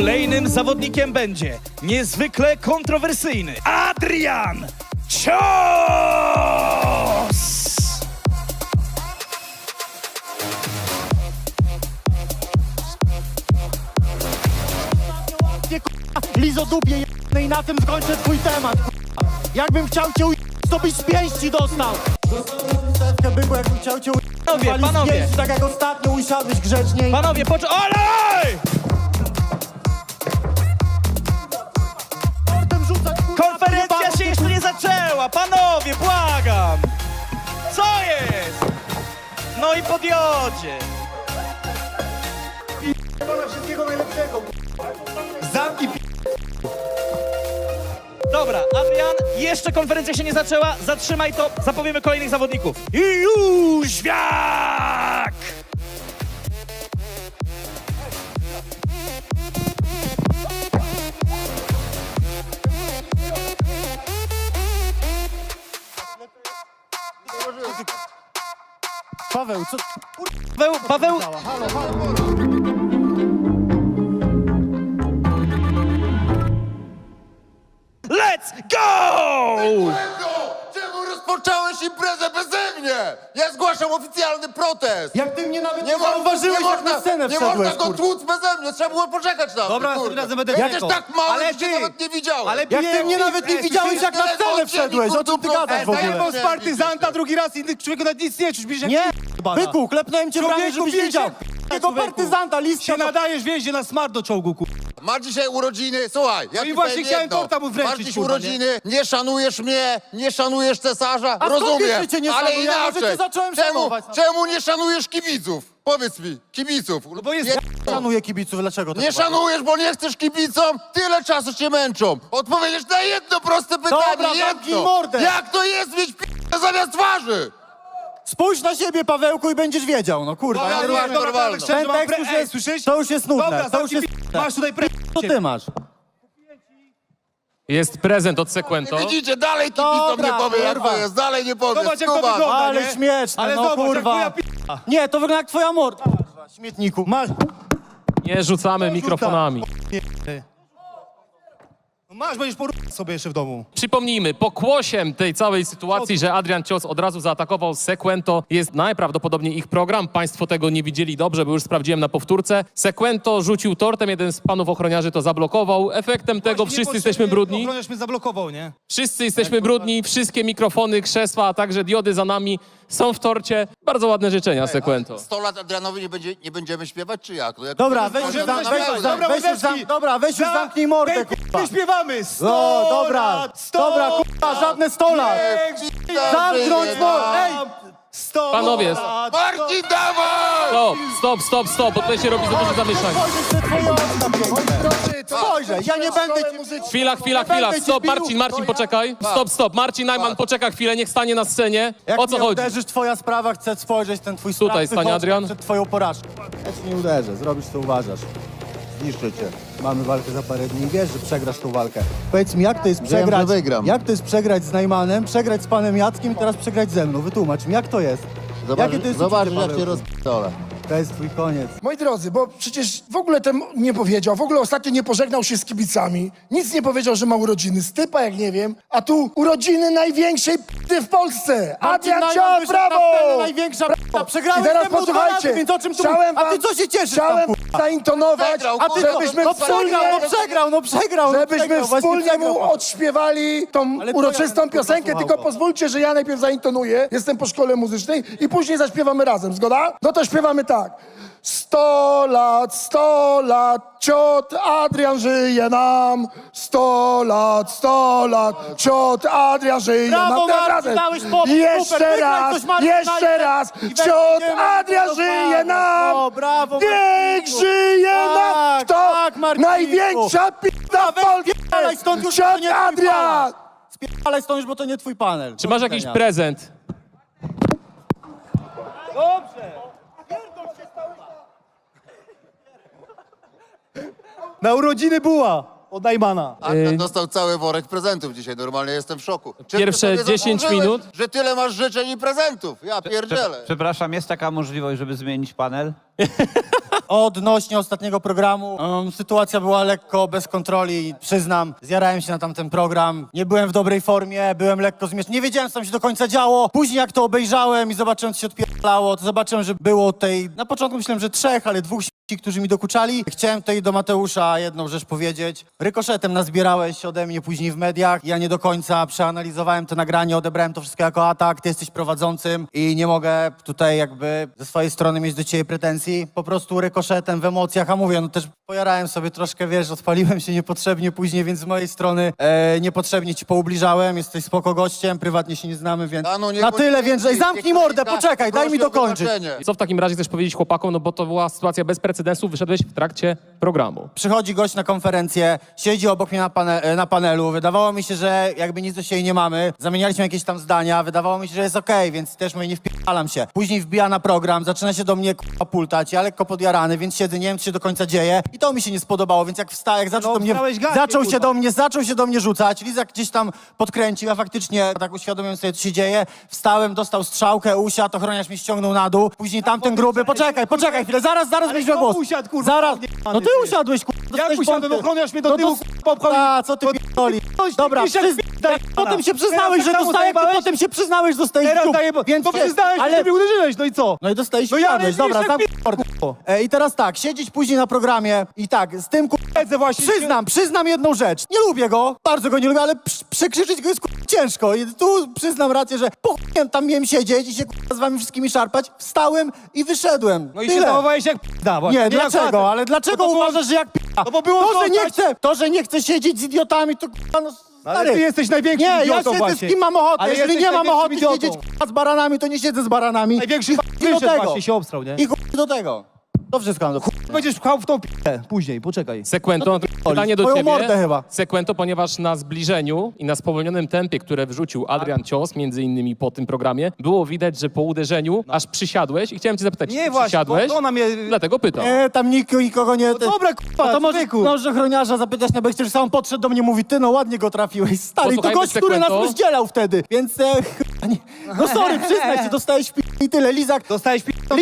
Kolejnym zawodnikiem będzie niezwykle kontrowersyjny Adrian Cios! Lizodupie jednej, na tym skończę twój temat. Jakbym chciał cię to byś z pięści dostał. Byku, jakbym chciał cię Panowie. pięści, tak jak ostatnio usiadłeś grzeczniej. Panowie, olej! Konferencja się jeszcze nie zaczęła! Panowie, błagam! Co jest? No i podjodzie! Wszystkiego najlepszego. Zamki Dobra, Adrian, jeszcze konferencja się nie zaczęła. Zatrzymaj to, zapowiemy kolejnych zawodników. I Jóźwiak! Paweł, co? Paweł, Halo, halo. let's go! Czemu rozpocząłeś imprezę beze mnie? Ja zgłaszam oficjalny protest! Jak ty mnie nawet nie można- zauważyłeś, jak na scenę nie można wszedłeś, go kurwa. tłuc beze mnie, trzeba było poczekać na Dobra, mnie, tym kurde. razem będę Jesteś czekał. tak mały, Ale że cię ty- nawet nie widziałem. ale Jak ty mnie nawet nie widziałeś, jak na scenę wszedłeś, o czym ty gadasz w ogóle? Zajebał z partyzanta, drugi raz inny człowiek nawet nic nie czuć, bierzesz Nie, byku, klepnąłem cię w ramię, Człowieku, żebyś widział. bierze- Tego człowieku. partyzanta, listka. się nadajesz, wjeździe na smart do czołgu, ku... Ma dzisiaj urodziny, słuchaj, ja No i ci właśnie powiem chciałem jedno. torta mu wręczyć, Masz dziś kurwa, urodziny, nie szanujesz mnie, nie szanujesz cesarza, A skąd rozumiem, wiesz, że cię nie ale szanuję? Ja może inaczej. cię zacząłem szanować. Czemu nie szanujesz kibiców? Powiedz mi, kibiców. No bo jest... Nie- Szanuję kibiców, dlaczego to Nie chyba? szanujesz, bo nie chcesz kibicom? Tyle czasu cię męczą. Odpowiedziesz na jedno proste pytanie, Dobra, zamknij jedno. mordę. Jak to jest mieć p***e zamiast twarzy? Spójrz na siebie, Pawełku, i będziesz wiedział, no kurwa. Dobra, ja nie dobra, rozumiem. dobra, Normalnie, dobra. Ten dobra, tekst już ej, jest, słyszysz? to już jest nudne, Dobra, to już zamknij jest... masz tutaj Co ty masz? Jest prezent od Sequento. Widzicie, dalej kibicom Dobra, nie powie, jak kurwa. to jest, dalej nie powie. Zobacz, jak to Skubas. wygląda. Ale nie? śmieszne, Ale no zobacz, kurwa. jak twoja Nie, to wygląda jak twoja morda. Kurwa, śmietniku. Masz. Nie rzucamy mikrofonami. No masz, będziesz porównać sobie jeszcze w domu. Przypomnijmy, pokłosiem tej całej sytuacji, że Adrian Cios od razu zaatakował Sequento, jest najprawdopodobniej ich program. Państwo tego nie widzieli dobrze, bo już sprawdziłem na powtórce. Sequento rzucił tortem, jeden z panów ochroniarzy to zablokował. Efektem tego wszyscy jesteśmy brudni. Ochroniarz mnie zablokował, nie? Wszyscy jesteśmy brudni, wszystkie mikrofony, krzesła, a także diody za nami są w torcie. Bardzo ładne życzenia, Sequento. 100 lat Adrianowi nie będziemy śpiewać, czy jak? No jak Dobra, to weź jest- już Możemy weź już śpiewać. Dobra, weź już Łodewski. dobra, weź już zamknij mordę, kurwa. Nie śpiewamy! 100 No, dobra, lat, 100 dobra, kurwa, żadne 100 lat. Zamknąć mordę, ej! 100 Panowie, lat, Marcin, dawaj! Stop, bo tutaj się robi za dużo zamieszania. Spojrzeć przed twoje oczy na piękne. Spojrzę, ja nie będę ci... Chwila, będę cię stop, bił. Marcin, poczekaj. Stop, Marcin Najman, poczeka chwilę, niech stanie na scenie. Jak O co mnie chodzi? uderzysz, twoja sprawa, chcę spojrzeć ten twój Tutaj sprawcy stanie chodź Adrian. przed twoją porażką. Ja ci nie uderzę, zrobisz co uważasz. Zniszczę cię. Mamy walkę za parę dni, wiesz, że przegrasz tą walkę. Powiedz mi, jak to jest Wiem, przegrać? że wygram. Jak to jest przegrać z Najmanem, przegrać z panem Jackiem i teraz przegrać ze mną? Wytłumacz mi, jak to jest? Jakie to jest Zobaczysz, uczucie, jak cię Pawełku? rozp***dolę. To jest twój koniec. Moi drodzy, bo przecież w ogóle ten nie powiedział, w ogóle ostatnio nie pożegnał się z kibicami, nic nie powiedział, że ma urodziny, stypa jak nie wiem, a tu urodziny największej p***y w Polsce! Adrian Najman Cios, wyszedł na brawo! scenę, największa p***a. Przegrałeś I teraz ze mną 2 posłuchajcie, razy, więc o czym tu chciałem A ty wam- co się cieszysz tam, Chciałem kurwa? zaintonować, Przegrał, A ty żebyśmy no wspólnie, przegrał. żebyśmy właśnie wspólnie przegrał. mu odśpiewali tą Ale uroczystą to ja piosenkę, kurwa tylko słuchał. pozwólcie, że ja najpierw zaintonuję, jestem po szkole muzycznej i później zaśpiewamy razem, zgoda? No to śpiewamy tak. 100 lat, ciot Adrian żyje nam. 100 lat, ciot Adrian żyje Brawo, nam. Teraz Marcin, razem. dałeś popór, Jeszcze super, raz, wygraj coś, Marcin, jeszcze najpierw. raz, I ciot będziemy Adrian to żyje fajnie. nam. No, brawo, Niech Marcinku. żyje nam. Tak, Kto? tak, Marcinku. Największa p***a w Spierdalaj stąd, już Polsce. to Ciot nie twój Adrian. panel. Spierdalaj stąd, już, bo to nie twój panel. Czy masz jakiś prezent? Na urodziny buła od Najmana. Adrian dostał cały worek prezentów dzisiaj, normalnie jestem w szoku. Czy ty Pierwsze sobie 10 zasłużyłeś, minut? że tyle masz życzeń i prezentów? Ja pierdzielę. Przepraszam, jest taka możliwość, żeby zmienić panel? Odnośnie ostatniego programu, sytuacja była lekko bez kontroli, przyznam. Zjarałem się na tamten program, nie byłem w dobrej formie, byłem lekko zmieszany. Nie wiedziałem, co tam się do końca działo. Później jak to obejrzałem i zobaczyłem, co się odpierdalało, to zobaczyłem, że było tej... Na początku myślałem, że 3, ale 2 którzy mi dokuczali. Chciałem tutaj do Mateusza jedną rzecz powiedzieć. Rykoszetem nazbierałeś ode mnie później w mediach. Ja nie do końca przeanalizowałem to nagranie, odebrałem to wszystko jako atak. Ty jesteś prowadzącym i nie mogę tutaj jakby ze swojej strony mieć do ciebie pretensji. Po prostu rykoszetem w emocjach, a mówię, no też pojarałem sobie troszkę, wiesz, odpaliłem się niepotrzebnie później, więc z mojej strony niepotrzebnie ci poubliżałem. Jesteś spoko gościem, prywatnie się nie znamy, więc Danu, nie na bądź tyle, nigdy, więc zamknij niech mordę, ktoś poczekaj, daj mi prosi o dokończyć. wybaczenie. Co w takim razie chcesz powiedzieć chłopakom, no bo to była sytuacja bez precedensu, wyszedłeś w trakcie programu. Przychodzi gość na konferencję, siedzi obok mnie na panelu. Wydawało mi się, że jakby nic do siebie nie mamy. Zamienialiśmy jakieś tam zdania. Wydawało mi się, że jest okej, więc też mówię, nie wpierdalam się. Później wbija na program, zaczyna się do mnie pultać. Ja lekko podjarany, więc siedzę, nie wiem, co się do końca dzieje. I to mi się nie spodobało, więc jak wstał, jak zaczął No, do mnie... wstałeś gacie, Zaczął się do mnie rzucać. Lizak gdzieś tam podkręcił. Ja faktycznie tak uświadomiłem sobie, co się dzieje. Wstałem, dostał strzałkę, usiadł, ochroniarz mnie ściągnął na dół. Później tamten gruby... Poczekaj chwilę, zaraz weźmie głos. usiadł, kurwa, Zaraz. odjebany No ty ty. usiadłeś, kurwa. Jak dostałeś usiadłem, pompy. ochroniarz mnie do No tyłu, popchał A, co ty pierdoli? Coś Dobra, ty piszesz, daj, potem się przyznałeś, że Teraz dostałeś, zajebałeś? potem się przyznałeś, że dostałeś Teraz dziób, daję, więc no przyznałeś, ale... że mnie uderzyłeś, no i co? No i dostałeś No no ja wsiadłeś, nie dobra, wiesz, sam jak mordę. I teraz tak, siedzieć później na programie i tak, z tym Siedzę właśnie. przyznam jedną rzecz. Nie lubię go, bardzo go nie lubię, ale przekrzyczyć go jest ciężko. I tu przyznam rację, że po chujem tam miałem siedzieć i się z wami wszystkimi szarpać. Wstałem i wyszedłem. No i się Tyle. zachowałeś jak p***da właśnie. Nie, jak dlaczego? facet. Ale dlaczego No to było- uważasz, że jak p***a? No bo było To, że nie chcę siedzieć z idiotami, to k***a, no Ale stary. ty jesteś największym Nie, ja idiotą siedzę właśnie. z kim mam ochotę. Ale Jeżeli jesteś nie mam ochoty największym siedzieć idiotą. k***a, z baranami, to nie siedzę z baranami. Największy I do wyszedł tego. właśnie się obstrał, nie? I chuj do tego. To wszystko mam do chuj. Będziesz pchał w tą p***ę później, poczekaj. Sekwento, pytanie do Twoją ciebie. mordę chyba. Sekwento, ponieważ na zbliżeniu i na spowolnionym tempie, które wrzucił Adrian Cios, między innymi po tym programie, było widać, że po uderzeniu aż przysiadłeś i chciałem cię zapytać, Nie czy właśnie, przysiadłeś? to ona mnie... Dlatego pytam. Nie, tam nikogo nie... No dobra, k***a, to może, człowieku. może ochroniarza zapytać na bekście, że sam podszedł do mnie, mówi, ty no ładnie go trafiłeś, stary. I to Posłuchajmy gość, który nas Sekwento. rozdzielał wtedy, więc... chyba nie. No sorry, przyznaj się, dostałeś w i tyle. Lizak, Dostałeś p***ą,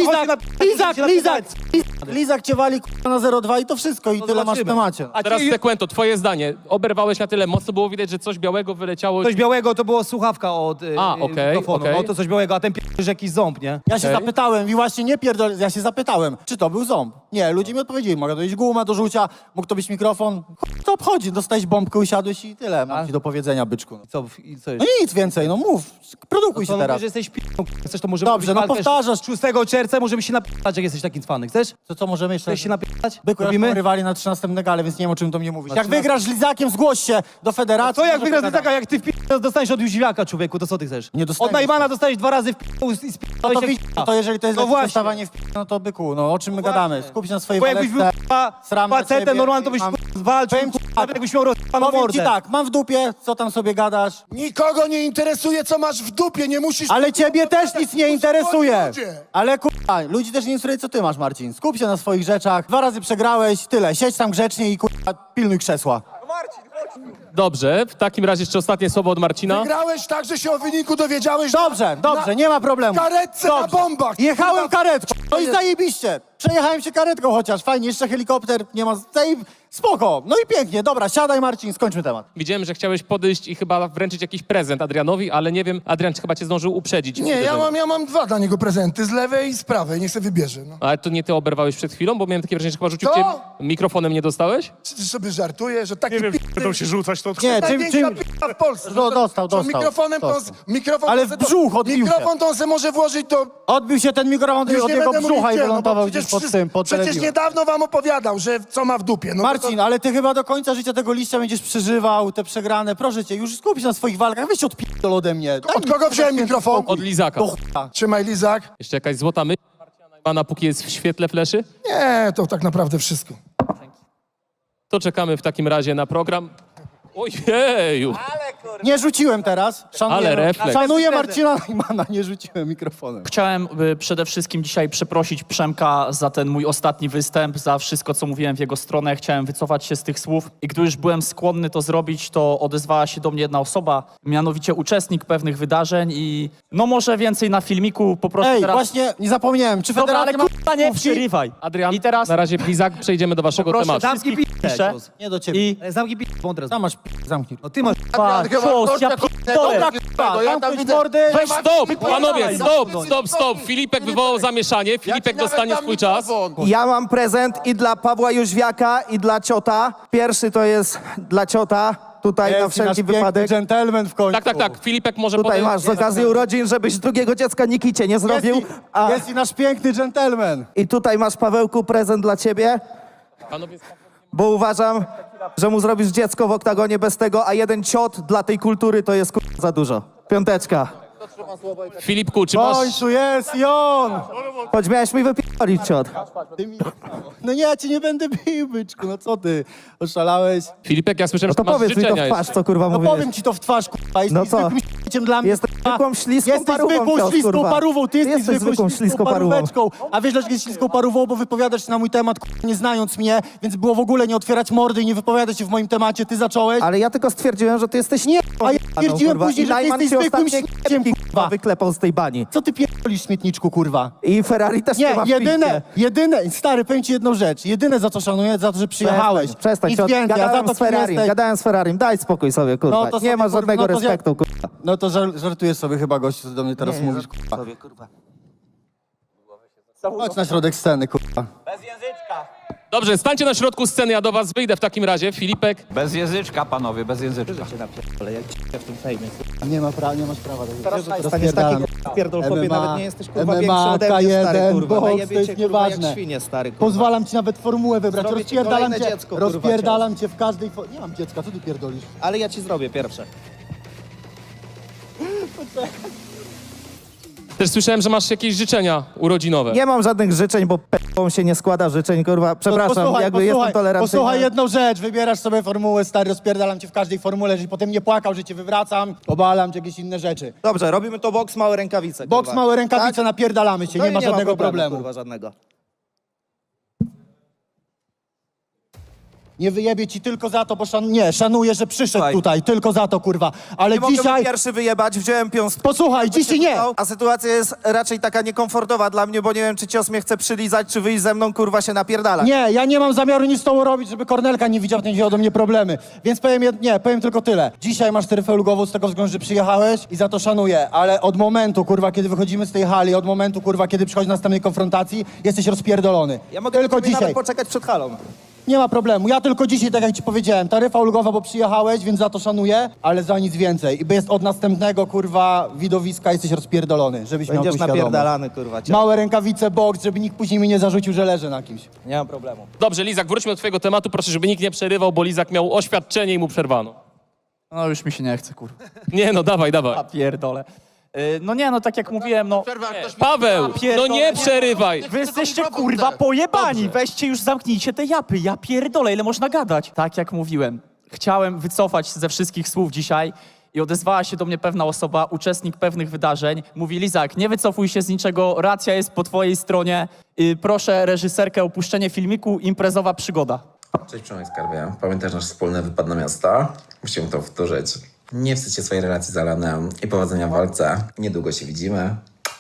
Lizak cię wali k***a, na 0,2 i to wszystko i No tyle masz w zobaczymy. temacie. A Teraz ty- Sekwento, twoje zdanie. Oberwałeś na tyle mocno, było widać, że coś białego wyleciało. Coś białego to było słuchawka od okej, mikrofonu. okej. No to coś białego, a ten p***ż jakiś ząb, nie? Ja się Okej. zapytałem i właśnie nie pierdol, ja się zapytałem, czy to był ząb. Nie, ludzie mi odpowiedzieli, mogę to być guma do rzucia, mógł to być mikrofon. Chuj, to obchodzi, dostałeś bombkę, usiadłeś i tyle mam ci do powiedzenia, byczku. Co No nic więcej, no mów, produkuj się to teraz. mówisz, że jesteś p***ą, chcesz to może Dobrze, no powtarzasz. 6 czerwca możemy się napisać, jak jesteś takim fanem. Chcesz? To co możemy jeszcze? Chcesz się napisać? Byku, Robimy? rywali na 13 negale, więc nie wiem, o czym to mnie mówisz. Jak 13? wygrasz z Lizakiem, zgłoś się do federacji. Co jak może wygrasz pogadamy. taka, jak ty w p***, dostaniesz od Jóźwiaka, człowieku, to co ty chcesz? Nie dostaniesz. Od Najmana dostajesz 2 razy w p***, i No sp***ałeś to, jak widz, p***a. to jeżeli to jest No no właśnie. dostawanie w no to byku, no o czym my gadamy? Skup się na swojej Bo jakbyś był walce. k***a, Sram na facetem, ciebie normalnie to i byś mam- walczył, Powiem ci k***a, tak. jakbyś miał rozpaną Powiem mordę. ci tak, mam w dupie, co tam sobie gadasz, Nikogo nie interesuje, co masz w dupie, nie musisz... ale ciebie też nic nie interesuje. Ludzie. Ale kurwa, ludzi też nie interesuje, co ty masz, Marcin. Skup się na swoich rzeczach, 2 razy przegrałeś, tyle, siedź tam grzecznie i kurwa, pilnuj krzesła. Dobrze, w takim razie jeszcze ostatnie słowo od Marcina. Grałeś tak, że się o wyniku dowiedziałeś... Dobrze, dobrze, nie ma problemu. karetce na bombach. Jechałem karetką, no i zajebiście. Przejechałem się karetką chociaż, fajnie, jeszcze helikopter, nie ma... Spoko, no i pięknie, dobra, siadaj Marcin, skończmy temat. Widziałem, że chciałeś podejść i chyba wręczyć jakiś prezent Adrianowi, ale nie wiem, Adrian chyba cię zdążył uprzedzić. Nie, ja mam 2 dla niego prezenty, z lewej i z prawej, niech sobie wybierze. No. Ale to nie ty oberwałeś przed chwilą, bo miałem takie wrażenie, że chyba rzucił Co? cię mikrofonem, nie dostałeś? Czy ty sobie żartujesz, że taki Będą się rzucać, to Nie, największa p***a w Polsce. Dostał. Mikrofonem to... Mikrofon Ale to w se- brzuch odbił się. Mikrofon to on se może włożyć do... Odbił się ten mikrofon Już od nie jego będę mówił brzucha i gdzie, wylądował bo gdzieś przecież pod tym, pod Przecież telewizją. niedawno wam opowiadał, że co ma w dupie. No Marcin, ale ty chyba do końca życia tego liścia będziesz przeżywał, te przegrane. Proszę cię, już skup się na swoich walkach, weź odpierdol ode mnie. Daj Od mi kogo wziąłem spokój. mikrofon? Od Lizaka. Do chuja. Trzymaj, Lizak. Jeszcze jakaś złota myśl Marcina Najmana, póki jest w świetle fleszy? Nie, to tak naprawdę wszystko. To czekamy w takim razie na program. Ojeju! Ale Nie rzuciłem teraz. Ale refleks. Szanuję Marcina Najmana, nie rzuciłem mikrofonem. Chciałem przede wszystkim dzisiaj przeprosić Przemka za ten mój ostatni występ, za wszystko, co mówiłem w jego stronę. Chciałem wycofać się z tych słów i gdy już byłem skłonny to zrobić, to odezwała się do mnie jedna osoba, mianowicie uczestnik pewnych wydarzeń i no może więcej na filmiku, po prostu Ej, teraz... właśnie nie zapomniałem, czy Dobra, ale federacja ma kurwa nie mówki? przerywaj. Adrian, I teraz na razie Lizak, przejdziemy do waszego proszę tematu. Zamknij wszystkich p***, piszę Nie do ciebie. i... Zamknij p***, mądre. Tam masz zamknij. No ty masz Adrian, chyba cios, gościa ja k***ego, Dobra, k***ego, ja tam zamknąć widzę... mordy. Weź stop, panowie, Dawaj, stop. Filipek wywołał zamieszanie, Filipek nawet dostanie dam swój czas. mikrofon. Ja mam prezent i dla Pawła Jóźwiaka, i dla ciota. Pierwszy to jest dla ciota, tutaj na Jest nasz wszelki piękny wypadek. dżentelmen w końcu. Tak, Filipek może Tutaj potem... masz z okazji urodzin, żebyś drugiego dziecka Nikicie nie zrobił. A, Jest i nasz piękny dżentelmen. I tutaj masz, Pawełku, prezent dla ciebie, Panowie, bo uważam, że mu zrobisz dziecko w oktagonie bez tego, a jeden ciot dla tej kultury to jest za dużo. Piąteczka. Filipku, czy W masz... końcu jest i on. Choć miałeś mi wypierdolić ciot. No nie, ja cię nie będę bił, byczku, no co ty? Oszalałeś? Filipek, ja słyszałem, No to że masz powiedz mi to życzenia w twarz, jeszcze. co kurwa No mówisz. powiem ci to w twarz, kurwa. Jesteś No co? zwykłym śmieciem dla mnie. Jesteś kurwa. zwykłą śliską Jesteś parówą, zwykłą cios, śliską kurwa. parówą. Ty jesteś zwykłą śliską parówą. paróweczką. A wiesz dlaczego jest śliską parówą? Bo wypowiadasz się na mój temat, kurwa, nie znając mnie, więc było w ogóle nie otwierać mordy i nie wypowiadać się w moim temacie. Ty zacząłeś. Ale ja tylko stwierdziłem, że ty jesteś Nie, a ja kurwa, stwierdziłem później, I że ty Najman jesteś ci zwykłym ostatnie śmieciem, kurwa kurwa. wyklepał z tej bani. Co ty pierdolisz, śmietniczku, kurwa? I Ferrari też Nie, ma w jedyne, stary, powiem ci jedną rzecz. Jedyne za co szanuję, za to, że przyjechałeś. Przestań, Nic ciot. więcej, a za Gadałem to, z kim Ferrarim, jesteś... gadałem z Ferrarim, daj spokój sobie, kurwa. No to nie sobie, ma kurwa, żadnego no to respektu, kurwa. No to żartujesz sobie chyba, gościu, co do mnie teraz mówisz, kurwa. Chodź na środek sceny, kurwa. Dobrze, stańcie na środku sceny, ja do was wyjdę w takim razie. Filipek, Bez języczka, panowie, bez języczka. Nie masz prawa do Teraz tego. staniesz taki pierdol chłopie, MMA, nawet nie jesteś kurwa MMA, większy ode mnie, stary, K1, kurwa. boks, Najebie to cię, jest kurwa, jak nieważne. świnie, stary, kurwa. Pozwalam ci nawet formułę wybrać, Zrobię ci rozpierdalam kolejne cię, dziecko, kurwa, rozpierdalam cię w każdej... Nie mam dziecka, co ty pierdolisz? Ale ja ci zrobię pierwsze. też słyszałem, że masz jakieś życzenia urodzinowe. Nie mam żadnych życzeń, bo p***ą się nie składa życzeń, kurwa. Przepraszam, jakby jestem tolerancyjny. Posłuchaj jedną rzecz, wybierasz sobie formułę, stary, rozpierdalam cię w każdej formule, żebyś potem nie płakał, że cię wywracam, obalam, czy jakieś inne rzeczy. Dobrze, robimy to boks, małe rękawice, Boks, kurwa. małe rękawice, Tak? napierdalamy się, No nie i ma żadnego problemu. kurwa, żadnego. Nie wyjebie ci tylko za to, bo szanuję, że przyszedł Słuchaj. tutaj, tylko za to, kurwa. Ale Nie mogę dzisiaj... pierwszy wyjebać, wziąłem piąs... Posłuchaj, dzisiaj nie! A sytuacja jest raczej taka niekomfortowa dla mnie, bo nie wiem, czy cios mnie chce przylizać, czy wyjść ze mną, kurwa, się napierdalać. Nie, ja nie mam zamiaru nic z tobą robić, żeby Kornelka nie widział, nie wziął do mnie problemy. Więc powiem tylko tyle. Dzisiaj masz taryfę ulgową z tego względu, że przyjechałeś i za to szanuję, ale od momentu, kurwa, kiedy wychodzimy z tej hali, od momentu, kurwa, kiedy przychodzi do następnej konfrontacji, jesteś rozpierdolony. Ja mogę tylko sobie dzisiaj. nawet poczekać przed halą. Nie ma problemu. Ja tylko dzisiaj, tak jak ci powiedziałem, taryfa ulgowa, bo przyjechałeś, więc za to szanuję, ale za nic więcej. I jest od następnego, kurwa, widowiska jesteś rozpierdolony, żebyś miał Będziesz tu świadomość. napierdalany, kurwa. cię. Małe rękawice, boks, żeby nikt później mi nie zarzucił, że leżę na kimś. Nie mam problemu. Dobrze, Lizak, wróćmy do twojego tematu. Proszę, żeby nikt nie przerywał, bo Lizak miał oświadczenie i mu przerwano. No już mi się nie chce, kurwa. Nie no, dawaj. A pierdolę. No nie, no tak jak mówiłem, no... Paweł, no nie przerywaj. Wy jesteście kurwa pojebani, weźcie już zamknijcie te japy, ja pierdolę, ile można gadać. Tak jak mówiłem, chciałem wycofać ze wszystkich słów dzisiaj i odezwała się do mnie pewna osoba, uczestnik pewnych wydarzeń. Mówi: Lizak, nie wycofuj się z niczego, racja jest po twojej stronie. Proszę reżyserkę o opuszczenie filmiku, imprezowa przygoda. Cześć Przemek Skarbie. Pamiętasz nasz wspólny wypad na miasto? Musimy to powtórzyć. Nie wstydź się swojej relacji z Alanem i powodzenia w walce. Niedługo się widzimy.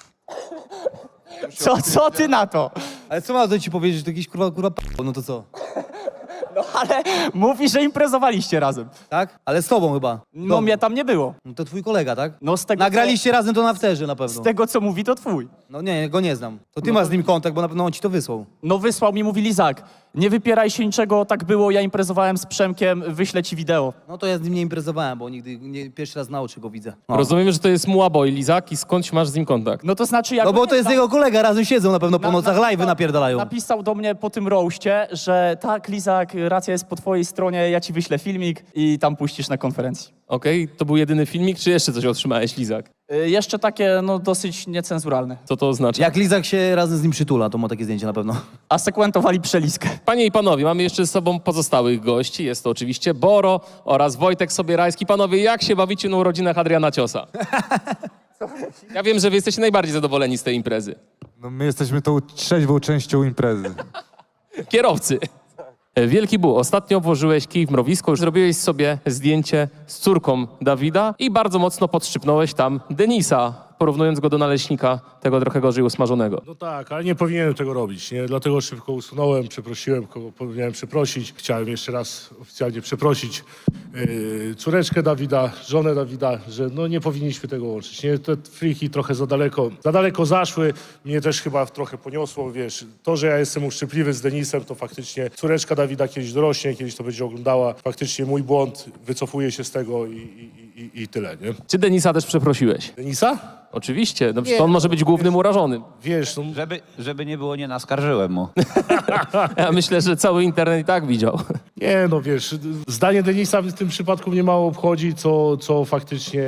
Co ty na to? Ale co ma do ci powiedzieć, że to jakiś kurwa no to co? No ale mówi, że imprezowaliście razem. Tak? Ale z tobą chyba. No mnie tam nie było. No to twój kolega, tak? No z tego, Nagraliście razem to na afterze na z pewno. tego co mówi, to twój. No nie, go nie znam. To ty masz z nim kontakt, bo na pewno on ci to wysłał. No wysłał mi, mówi: Lizak, nie wypieraj się niczego, tak było, ja imprezowałem z Przemkiem, wyślę ci wideo. No to ja z nim nie imprezowałem, bo nigdy pierwszy raz na oczy go widzę. No. Rozumiem, że to jest Muaboy, Lizak, i skądś masz z nim kontakt? No to znaczy jak... No bo to jest jego kolega, razem siedzą na pewno po nocach, live'y napierdalają. Napisał do mnie po tym roaście, że tak, Lizak, racja jest po twojej stronie, ja ci wyślę filmik i tam puścisz na konferencji. Okej, to był jedyny filmik, czy jeszcze coś otrzymałeś, Lizak? Jeszcze takie, no dosyć niecenzuralne. Co to oznacza? Jak Lizak się razem z nim przytula, to ma takie zdjęcie na pewno. A sekwentowali przeliskę. Panie i panowie, mamy jeszcze z sobą pozostałych gości. Jest to oczywiście Boro oraz Wojtek Sobierajski. Panowie, jak się bawicie na urodzinach Adriana Ciosa? Ja wiem, że wy jesteście najbardziej zadowoleni z tej imprezy. No my jesteśmy tą trzeźwą częścią imprezy. Kierowcy. Wielki Bu, ostatnio włożyłeś kij w mrowisko, zrobiłeś sobie zdjęcie z córką Dawida i bardzo mocno podszczypnąłeś tam Denisa, porównując go do naleśnika, tego trochę gorzej usmażonego. No tak, ale nie powinienem tego robić, nie? Dlatego szybko usunąłem, przeprosiłem, kogo powinienem przeprosić. Chciałem jeszcze raz oficjalnie przeprosić córeczkę Dawida, żonę Dawida, że no nie powinniśmy tego łączyć, nie? Te friki trochę za daleko zaszły, mnie też chyba trochę poniosło, wiesz. To, że ja jestem uszczypliwy z Denisem, to faktycznie córeczka Dawida kiedyś dorośnie, kiedyś to będzie oglądała. Faktycznie mój błąd, wycofuję się z tego i tyle, nie? Czy Denisa też przeprosiłeś? Denisa? Oczywiście, no, on może być głównym urażonym. Wiesz, no, Żeby nie było, nie naskarżyłem mu. Ja myślę, że cały internet i tak widział. nie, no wiesz, zdanie Denisa w tym przypadku mnie mało obchodzi, co faktycznie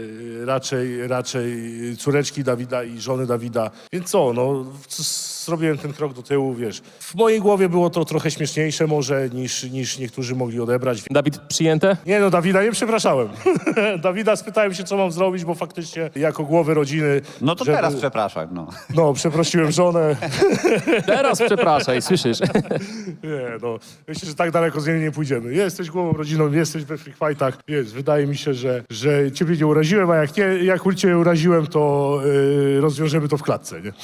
raczej córeczki Dawida i żony Dawida. Więc co, no zrobiłem ten krok do tyłu, wiesz. W mojej głowie było to trochę śmieszniejsze może niż niektórzy mogli odebrać. Dawid, przyjęte? Nie no, Dawida nie przepraszałem. Dawida spytałem się, co mam zrobić, bo faktycznie jako głowy rodziny... No to teraz przepraszam, no. No, przeprosiłem żonę. Teraz przepraszaj, słyszysz? Nie, no, myślę, że tak daleko z niej nie pójdziemy. Jesteś głową rodziną, jesteś we free fightach, więc wydaje mi się, że ciebie nie uraziłem, a jak cię uraziłem, to rozwiążemy to w klatce, nie?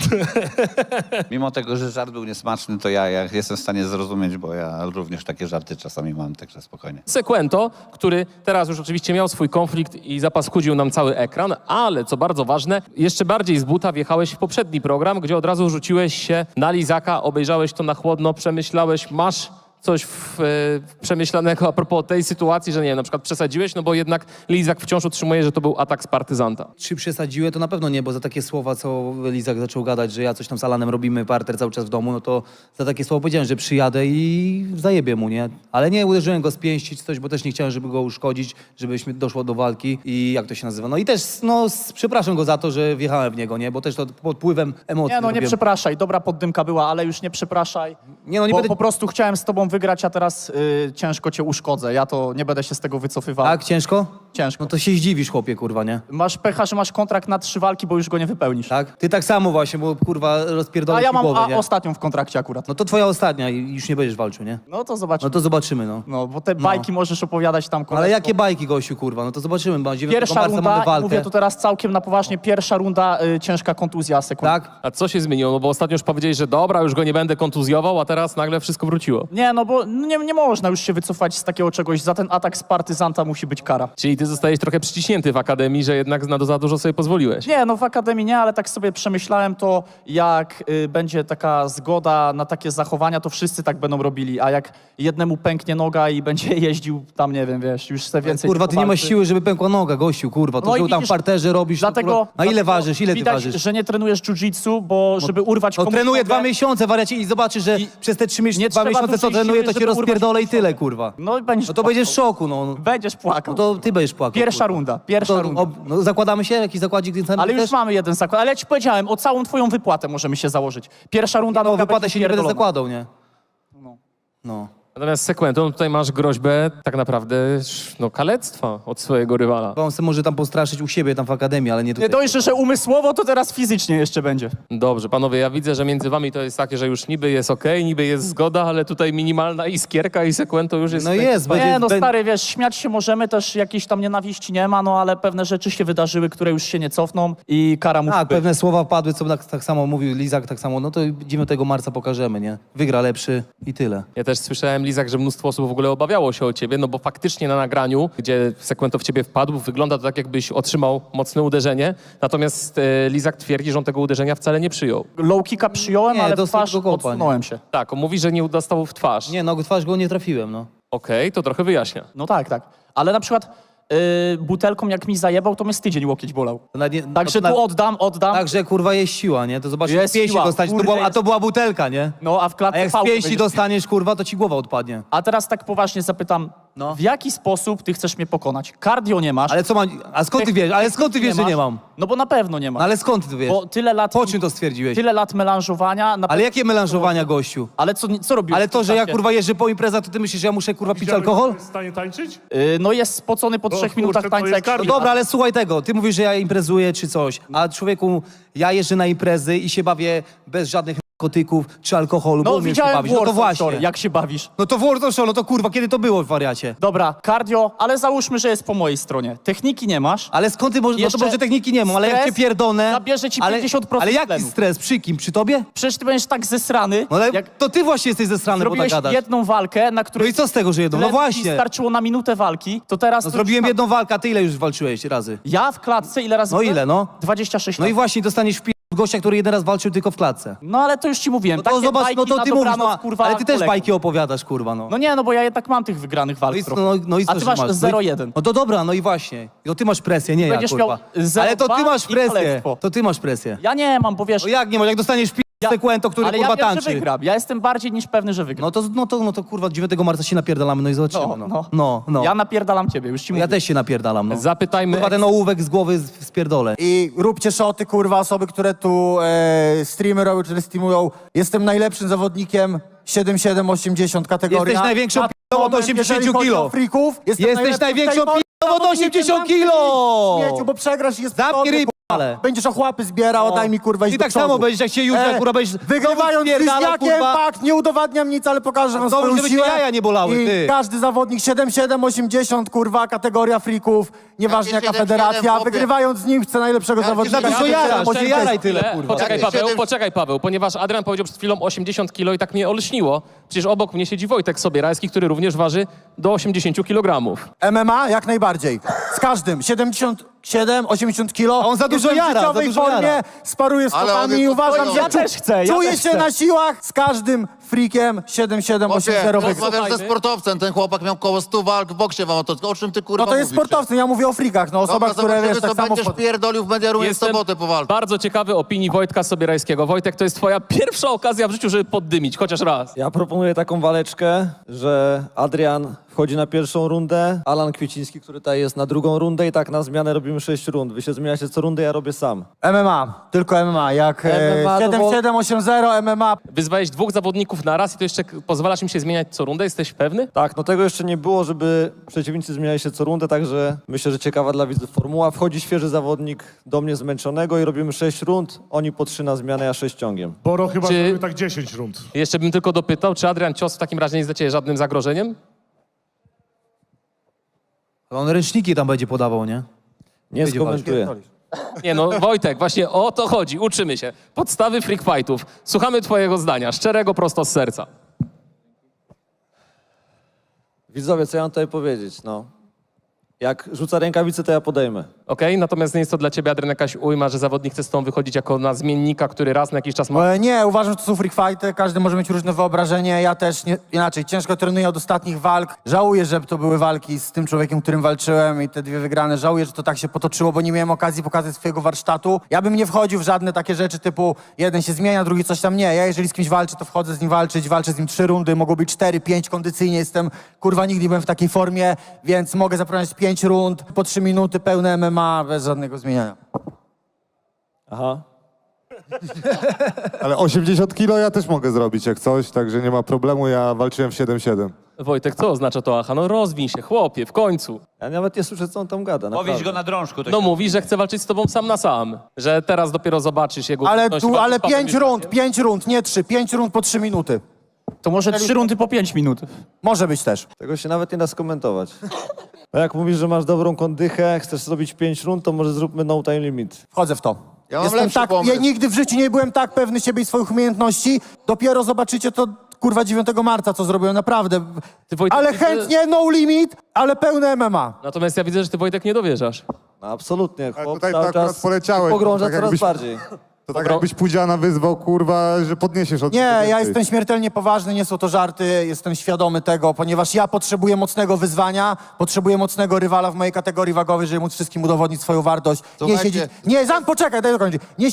Mimo tego, że żart był niesmaczny, to ja jestem w stanie zrozumieć, bo ja również takie żarty czasami mam, także spokojnie. Sekwento, który teraz już oczywiście miał swój konflikt i zapaskudził nam cały ekran, ale co bardzo ważne, jeszcze bardziej z buta wjechałeś w poprzedni program, gdzie od razu rzuciłeś się na Lizaka, obejrzałeś to na chłodno, przemyślałeś, masz coś przemyślanego a propos tej sytuacji, że nie wiem, na przykład przesadziłeś, no bo jednak Lizak wciąż utrzymuje, że to był atak z partyzanta. Czy przesadziłem? To na pewno nie, bo za takie słowa, co Lizak zaczął gadać, że ja coś tam z Alanem robimy, parter cały czas w domu, no to za takie słowa powiedziałem, że przyjadę i zajebię mu, nie? Ale nie uderzyłem go z pięści czy coś, bo też nie chciałem, żeby go uszkodzić, żebyśmy doszło do walki i jak to się nazywa. No i też, no, przepraszam go za to, że wjechałem w niego, nie? Bo też to pod wpływem emocji. Nie, no nie robiłem. przepraszaj, dobra poddymka była, ale już nie przepraszaj. Nie, no nie bo będę... po prostu chciałem z tobą wygrać, a teraz ciężko cię uszkodzę. Ja to nie będę się z tego wycofywał. Tak, ciężko? Ciężko. No to się zdziwisz, chłopie, kurwa, nie? Masz pecha, że masz kontrakt na 3 walki, bo już go nie wypełnisz. Tak? Ty tak samo właśnie, bo kurwa A rozpierdolę ja ci mam głowę, nie? ostatnią w kontrakcie akurat. No to twoja ostatnia i już nie będziesz walczył, nie? No to zobaczymy. No to zobaczymy, no. No, bo te bajki możesz opowiadać tam Ale koleżko. jakie bajki, gościu, kurwa? No to zobaczymy, bo 9 Pierwsza marca mamy runda, walkę. mówię to teraz całkiem na poważnie, pierwsza runda, ciężka kontuzja, sekund. Tak? A co się zmieniło? No bo ostatnio już powiedziałeś, że dobra, już go nie będę kontuzjował, a teraz nagle wszystko wróciło. Nie, no bo nie można już się wycofać z takiego czegoś. Za ten atak z partyzanta musi być kara. Czyli ty zostajesz trochę przyciśnięty w akademii, że jednak za dużo sobie pozwoliłeś. Nie, no w akademii nie, ale tak sobie przemyślałem to, jak będzie taka zgoda na takie zachowania, to wszyscy tak będą robili, a jak jednemu pęknie noga i będzie jeździł tam, nie wiem, wiesz, już se więcej... Kurwa, ty nie masz siły, żeby pękła noga, gościu, kurwa. To, No i że tam widzisz, w parterze robisz... Dlatego, kurwa. A ile ważysz? Ile ty widać, ważysz? że nie trenujesz jiu-jitsu, bo żeby urwać No komuś trenuję nogę- 2 miesiące, wariacie, i zobaczysz, że przez te 3 miesiące, nie 2 trzeba miesiące, co dużej trenuję, siły, to cię żeby urwać rozpierdolę i komuś tyle, kurwa. No i będziesz No to będziesz w szoku, no. Będziesz płakał. No to ty będziesz płakał. Pierwsza kurwa. runda, pierwsza To, runda. no, zakładamy się? Jakiś zakładzik ten Ale już też? mamy jeden zakład. Ale ja ci powiedziałem, o całą twoją wypłatę możemy się założyć. Pierwsza runda... No noga wypłatę będzie się nie będę pierdolona. zakładał, nie? No. Natomiast Sekwento, no tutaj masz groźbę tak naprawdę no, kalectwa od swojego rywala. On se może tam postraszyć u siebie tam w akademii, ale nie Nie tutaj. dość, że umysłowo, to teraz fizycznie jeszcze będzie. Dobrze, panowie, ja widzę, że między wami to jest takie, że już niby jest okej, niby jest zgoda, ale tutaj minimalna iskierka i Sekwento już jest... No jest, będzie... Nie, no stary, wiesz, śmiać się możemy, też jakiejś tam nienawiści nie ma, no ale pewne rzeczy się wydarzyły, które już się nie cofną i kara musi Tak, być. pewne słowa padły, co tak samo mówił Lizak, tak samo, no to 9 marca pokażemy, nie? Wygra lepszy i tyle. Ja też słyszałem, Lizak, że mnóstwo osób w ogóle obawiało się o ciebie, no bo faktycznie na nagraniu, gdzie Sekwento w ciebie wpadł, wygląda to tak, jakbyś otrzymał mocne uderzenie, natomiast Lizak twierdzi, że on tego uderzenia wcale nie przyjął. Low kicka przyjąłem, Nie, ale w dostał twarz tylko kopa, odsunąłem się. Tak, on mówi, że nie dostał w twarz. Nie, no w twarz go nie trafiłem, no. Okej, to trochę wyjaśnia. No tak, tak. Ale na przykład butelką jak mi zajebał, to mnie z tydzień łokieć bolał. Także no, tu oddam. Także kurwa jest siła, nie? To zobaczysz, Jest z pięści siła, dostać, kurde, a to była butelka, nie? No a w A klatce jak z pałkę pięści będziesz- dostaniesz, kurwa, to ci głowa odpadnie. A teraz tak poważnie zapytam, No. W jaki sposób ty chcesz mnie pokonać? Cardio nie masz. Ale co mam... A skąd ty wiesz? Ale skąd ty wiesz, że nie mam? No bo na pewno nie masz. No ale skąd ty wiesz? Bo tyle lat... Po czym to stwierdziłeś? Tyle lat melanżowania... Ale jakie melanżowania, gościu? Ale co robisz? Ale to, że ja kurwa jeżdżę po imprezach, to ty myślisz, że ja muszę kurwa pić alkohol? Jest w stanie tańczyć? No jest spocony po 3 kurczę, minutach to tańca jest jak cardio. No dobra, ale słuchaj tego, ty mówisz, że ja imprezuję czy coś, a człowieku, ja jeżdżę na imprezy i się bawię bez żadnych narkotyków czy alkoholu, bo No umiesz się widziałem bawić. No to Warzone właśnie. Story, jak się bawisz. No to Warzone Show, no to kurwa, kiedy to było w wariacie? Dobra, cardio, ale załóżmy, że jest po mojej stronie. Techniki nie masz. Ale skąd ty możesz, no to Jeszcze może techniki nie mam, ale jak stres cię pierdolę... zabierze ci ale, 50% Ale jaki tlenu. stres? Przy kim? Przy tobie? Przecież ty będziesz tak zesrany, No ale jak to ty właśnie jesteś ze strony, bo tak zrobiłeś gadasz. jedną walkę, na No której i co z tego, że jedną? No tlenu ci właśnie. starczyło na minutę walki, to teraz... No to zrobiłem już- jedną walkę, a ty ile już walczyłeś razy? Ja w klatce ile razy No byłem? ile, no? 26 No lat. i właśnie dostaniesz w gościa, który jeden raz walczył tylko w klatce. No ale to już ci mówiłem. No to Takie zobacz, bajki no to na ty mówisz, dobranoc, no, kurwa, ale ty też kolegów. bajki opowiadasz, kurwa, no. No nie, no bo ja jednak mam tych wygranych walk No i, trochę. no i co, A ty że masz No i- 0,1. No to dobra, no i właśnie. No ty masz presję, nie Będziesz ja, miał kurwa. 0,2 Ale to ty masz i presję. kalectwo. To ty masz presję. Ja nie mam, bo wiesz... No jak nie masz, jak dostaniesz sekwento, który ale kurwa ja wiem, tańczy. że wygram. Ja jestem bardziej niż pewny, że wygram. No to kurwa 9 marca się napierdalamy, no i zobaczymy. No. Ja napierdalam ciebie, już ci mówię. Ja też się napierdalam, no. Zapytajmy... Kurwa ten ołówek z głowy spierdolę. I róbcie szoty, kurwa, osoby, które tu streamy robią, czy streamują. Jestem najlepszym zawodnikiem 7-7-80 kategoria. Jesteś największą Na p***ą od moment, 80 jeżeli chodzi kilo. o Freaków, Jesteś największą p***ą od 80 kilo. Śmieciu, bo przegrasz i jest Zamknij podobny, ryj, kurwa. ale. Będziesz ochłapy zbierał, daj mi kurwa iść I do tak przodu. samo będziesz, jak się Józef, kurwa, będziesz Wygrywając z spierdalał, Liźniakiem, kurwa. fakt, nie udowadniam nic, ale pokażę wam to swoją żeby cię siłę. jaja nie bolały, I ty. każdy zawodnik 7-7-80, kurwa, kategoria freaków, nieważne Jakie jaka 7-7, federacja, chłopie? wygrywając z nim chce najlepszego Jakie zawodnika. Za dużo jarasz, nie jaraj tyle, kurwa. Poczekaj Paweł, ponieważ Adrian powiedział przed chwilą 80 kilo i tak mnie olśniło. Przecież obok mnie siedzi Wojtek Sobierajski, który również waży do 80 kg. MMA jak najbardziej. Z każdym. 77-80 kilo. A on za dużo Jestem w jara, za życiowej dużo formie, jara. sparuję z Ale on kotami i jest uważam, to że Ja też chcę, ja czuję też się chcę. na siłach z każdym freakiem 7-7-8-0 wygrał. Rozmawiam ze sportowcem, ten chłopak miał koło 100 walk w boksie wam o czym ty kurwa No to jest mówisz? sportowcy, ja mówię o freakach, no osobach, Dobra, które zobaczymy, wiesz, tak co samo... będziesz pierdolił w Mediaruje w sobotę po walce. bardzo ciekawy opinii Wojtka Sobierajskiego. Wojtek, to jest twoja pierwsza okazja w życiu, żeby poddymić, chociaż raz. Ja proponuję taką waleczkę, że Adrian wchodzi na pierwszą rundę, Alan Kwieciński, który tutaj jest na drugą rundę i tak na zmianę robimy 6 rund. Wy się zmieniacie co rundę, ja robię sam. MMA, tylko MMA, jak MMA to 7-7-8-0 MMA. Wyzwałeś 2 zawodników na raz i to jeszcze pozwalasz im się zmieniać co rundę? Jesteś pewny? Tak, no tego jeszcze nie było, żeby przeciwnicy zmieniali się co rundę, także myślę, że ciekawa dla widzów formuła. Wchodzi świeży zawodnik do mnie zmęczonego i robimy 6 rund, oni po 3 na zmianę, ja 6 ciągiem. Boro chyba Czy- zrobił tak 10 rund. Jeszcze bym tylko dopytał, czy Adrian Cios w takim razie nie jest dla ciebie żadnym zagrożeniem? On ręczniki tam będzie podawał, nie? Nie Będzie skomentuję. Nie no, Wojtek, właśnie o to chodzi, uczymy się. Podstawy freak fightów. Słuchamy twojego zdania, szczerego, prosto z serca. Widzowie, co ja mam tutaj powiedzieć, no. Jak rzuca rękawice, to ja podejmę. Okej? Natomiast nie jest to dla ciebie, Adrian, jakaś ujma, że zawodnik chce z tą wychodzić jako na zmiennika, który raz na jakiś czas ma... Nie, uważam, że to są freak fighty, każdy może mieć różne wyobrażenie, ja też inaczej, ciężko trenuję od ostatnich walk, żałuję, że to były walki z tym człowiekiem, którym walczyłem i te 2 wygrane, żałuję, że to tak się potoczyło, bo nie miałem okazji pokazać swojego warsztatu. Ja bym nie wchodził w żadne takie rzeczy typu jeden się zmienia, drugi coś tam nie, ja jeżeli z kimś walczę, to wchodzę z nim walczyć, walczę z nim 3 rundy, mogą być 4, 5 kondycyjnie, jestem, kurwa, nigdy nie byłem w takiej formie, więc mogę zaprowadzić 5 rund, po 3 minuty, pełne MMA, bez żadnego zmieniania. Aha. Ale 80 kilo ja też mogę zrobić jak coś, także nie ma problemu, ja walczyłem w 7-7. Wojtek, co oznacza to aha? No rozwiń się, chłopie, w końcu. Ja nawet nie słyszę, co on tam gada, naprawdę. Powiedz go na drążku. To No się- mówi, że chce walczyć z tobą sam na sam. Że teraz dopiero zobaczysz jego... Ale umiejętności tu, walki ale z Pawłem 5 rund, nie 3, 5 rund po 3 minuty. To może 3 rundy po 5 minut. Może być też. Tego się nawet nie da skomentować. A jak mówisz, że masz dobrą kondychę, chcesz zrobić 5 rund, to może zróbmy no time limit. Wchodzę w to. Ja mam lepszy ja pomysł. nigdy w życiu nie byłem tak pewny siebie i swoich umiejętności. Dopiero zobaczycie to, kurwa, 9 marca, co zrobiłem, naprawdę. Ty, Wojtek, Ale widzę- chętnie, no limit, ale pełne MMA. Natomiast ja widzę, że ty, Wojtek, nie dowierzasz. No absolutnie, Ale chłop tutaj cały to akurat czas poleciałeś, pogrąża tak coraz jakbyś- bardziej. To tak jakbyś Pudziana wyzwał, kurwa, że podniesiesz od Nie, tego ja więcej. jestem śmiertelnie poważny, nie są to żarty, jestem świadomy tego, ponieważ ja potrzebuję mocnego wyzwania, potrzebuję mocnego rywala w mojej kategorii wagowej, żeby móc wszystkim udowodnić swoją wartość. Nie Słuchajcie. siedzieć... Nie, poczekaj, daj dokończyć. Nie siedzieć...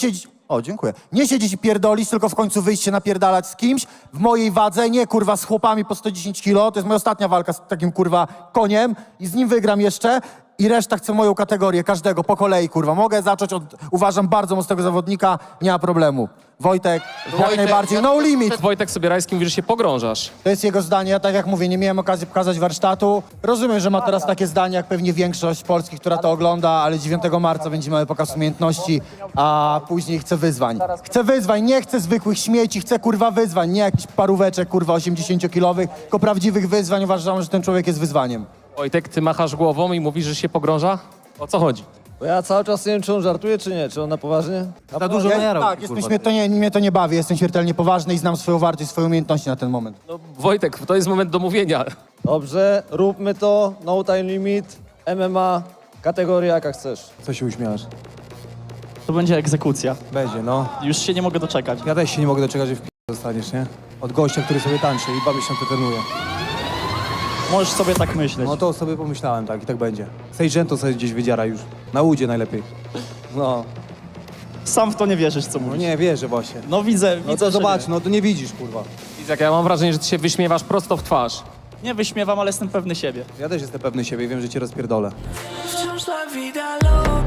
O, dziękuję. Nie siedzieć i pierdolić, tylko w końcu wyjść się napierdalać z kimś w mojej wadze, nie kurwa z chłopami po 110 kilo. To jest moja ostatnia walka z takim kurwa koniem i z nim wygram jeszcze. I reszta chce moją kategorię, każdego po kolei, kurwa. Mogę zacząć od, uważam, bardzo mocnego zawodnika, nie ma problemu. Wojtek, jak najbardziej, no limit. Wojtek Sobierajski mówi, że się pogrążasz. To jest jego zdanie, ja tak jak mówię, nie miałem okazji pokazać warsztatu. Rozumiem, że ma teraz takie zdanie, jak pewnie większość Polski, która to ogląda, ale 9 marca będzie miał pokaz umiejętności, a później chce wyzwań. Chcę wyzwań, nie chcę zwykłych śmieci, chcę kurwa wyzwań, nie jakichś paróweczek kurwa 80-kilowych, tylko prawdziwych wyzwań. Uważam, że ten człowiek jest wyzwaniem. Wojtek, ty machasz głową i mówisz, że się pogrąża? O co chodzi? Bo ja cały czas nie wiem, czy on żartuje, czy nie. Czy on na poważnie? Za dużo najarał. Tak, mnie to nie bawi, jestem śmiertelnie poważny i znam swoją wartość, swoje umiejętności na ten moment. No, Wojtek, to jest moment do mówienia. Dobrze, róbmy to. No time limit, MMA, kategoria jaka chcesz. Co się uśmiechasz? To będzie egzekucja. Będzie, no. Już się nie mogę doczekać. Ja też się nie mogę doczekać, że w zostaniesz, nie? Od gościa, który sobie tańczy i 2 miesiące trenuje. Możesz sobie tak myśleć. No to sobie pomyślałem, tak, i tak będzie. Sejdżento sobie gdzieś wydziara już. Na łudzie najlepiej. No. Sam w to nie wierzysz, co No mówisz. nie, wierzę właśnie. No widzę, No widzę, to że zobacz, no to nie widzisz, kurwa. Izak, ja mam wrażenie, że ty się wyśmiewasz prosto w twarz. nie wyśmiewam, ale jestem pewny siebie. Ja też jestem pewny siebie i wiem, że cię rozpierdolę. Wciąż la vida loca.